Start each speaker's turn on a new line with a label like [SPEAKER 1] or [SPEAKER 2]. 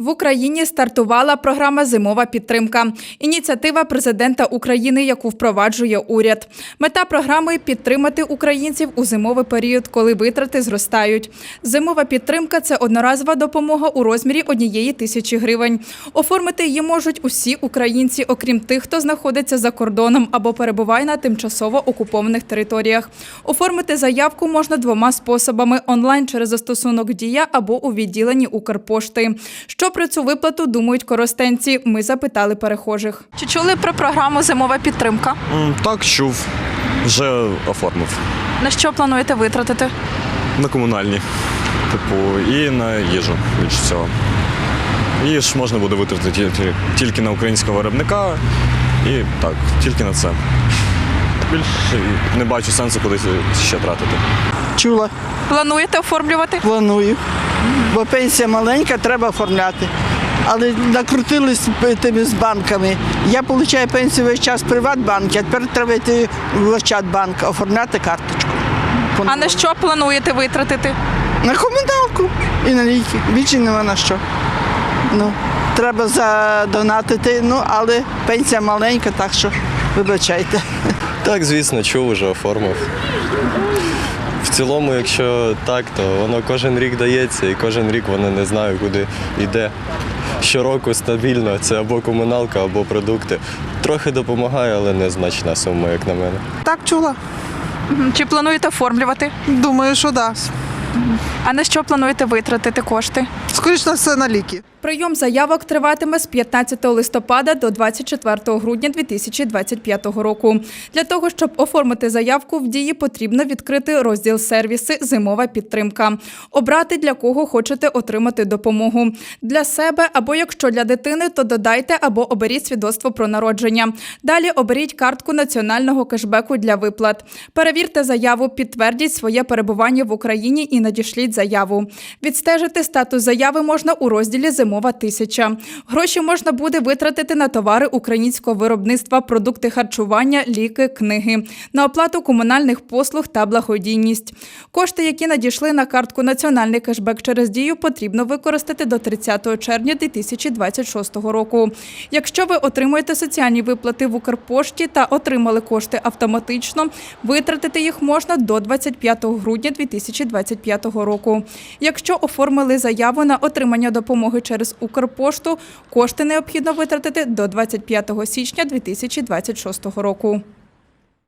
[SPEAKER 1] В Україні стартувала програма «Зимова підтримка» – ініціатива президента України, яку впроваджує уряд. Мета програми – підтримати українців у зимовий період, коли витрати зростають. Зимова підтримка – це одноразова допомога у розмірі 1000 гривень. Оформити її можуть усі українці, окрім тих, хто знаходиться за кордоном або перебуває на тимчасово окупованих територіях. Оформити заявку можна двома способами – онлайн через застосунок «Дія» або у відділенні Укрпошти. Що про цю виплату думають коростенці? Ми запитали перехожих. Чи чули про програму «Зимова підтримка»?
[SPEAKER 2] Так, чув. Вже оформив.
[SPEAKER 1] На що плануєте витратити?
[SPEAKER 2] На комунальні. І на їжу, більше всього. Її ж можна буде витратити тільки на українського виробника. І так, тільки на це. Більше не бачу сенсу кудись ще тратити.
[SPEAKER 3] Чула.
[SPEAKER 1] Плануєте оформлювати?
[SPEAKER 3] Планую. Бо пенсія маленька, треба оформляти. Але накрутились тими з банками. Я отримую пенсію весь час в Приватбанку, а тепер треба йти в Ощадбанк, оформляти карточку.
[SPEAKER 1] А на що плануєте витратити?
[SPEAKER 3] На комуналку і на ліки. Більше нема на що. Треба задонатити, але пенсія маленька, так що вибачайте.
[SPEAKER 4] Так, звісно, чув, вже оформив. В цілому, якщо так, то воно кожен рік дається і кожен рік воно не знаю, куди йде. Щороку стабільно, це або комуналка, або продукти. Трохи допомагає, але незначна сума, як на мене.
[SPEAKER 5] Так, чула.
[SPEAKER 1] Чи плануєте оформлювати?
[SPEAKER 5] Думаю, що да.
[SPEAKER 1] А на що плануєте витратити кошти?
[SPEAKER 5] Скоріше на все, на ліки.
[SPEAKER 1] Прийом заявок триватиме з 15 листопада до 24 грудня 2025 року. Для того, щоб оформити заявку, в Дії потрібно відкрити розділ «Сервіси. Зимова підтримка». Обрати, для кого хочете отримати допомогу. Для себе або якщо для дитини, то додайте або оберіть свідоцтво про народження. Далі оберіть картку національного кешбеку для виплат. Перевірте заяву, підтвердіть своє перебування в Україні і надішліть заяву. Відстежити статус заяви можна у розділі «Зимова 1000». Гроші можна буде витратити на товари українського виробництва, продукти харчування, ліки, книги, на оплату комунальних послуг та благодійність. Кошти, які надійшли на картку «Національний кешбек» через Дію, потрібно використати до 30 червня 2026 року. Якщо ви отримуєте соціальні виплати в Укрпошті та отримали кошти автоматично, витратити їх можна до 25 грудня 2025 року. Якщо оформили заяву на отримання допомоги через Укрпошту, кошти необхідно витратити до 25 січня 2026 року.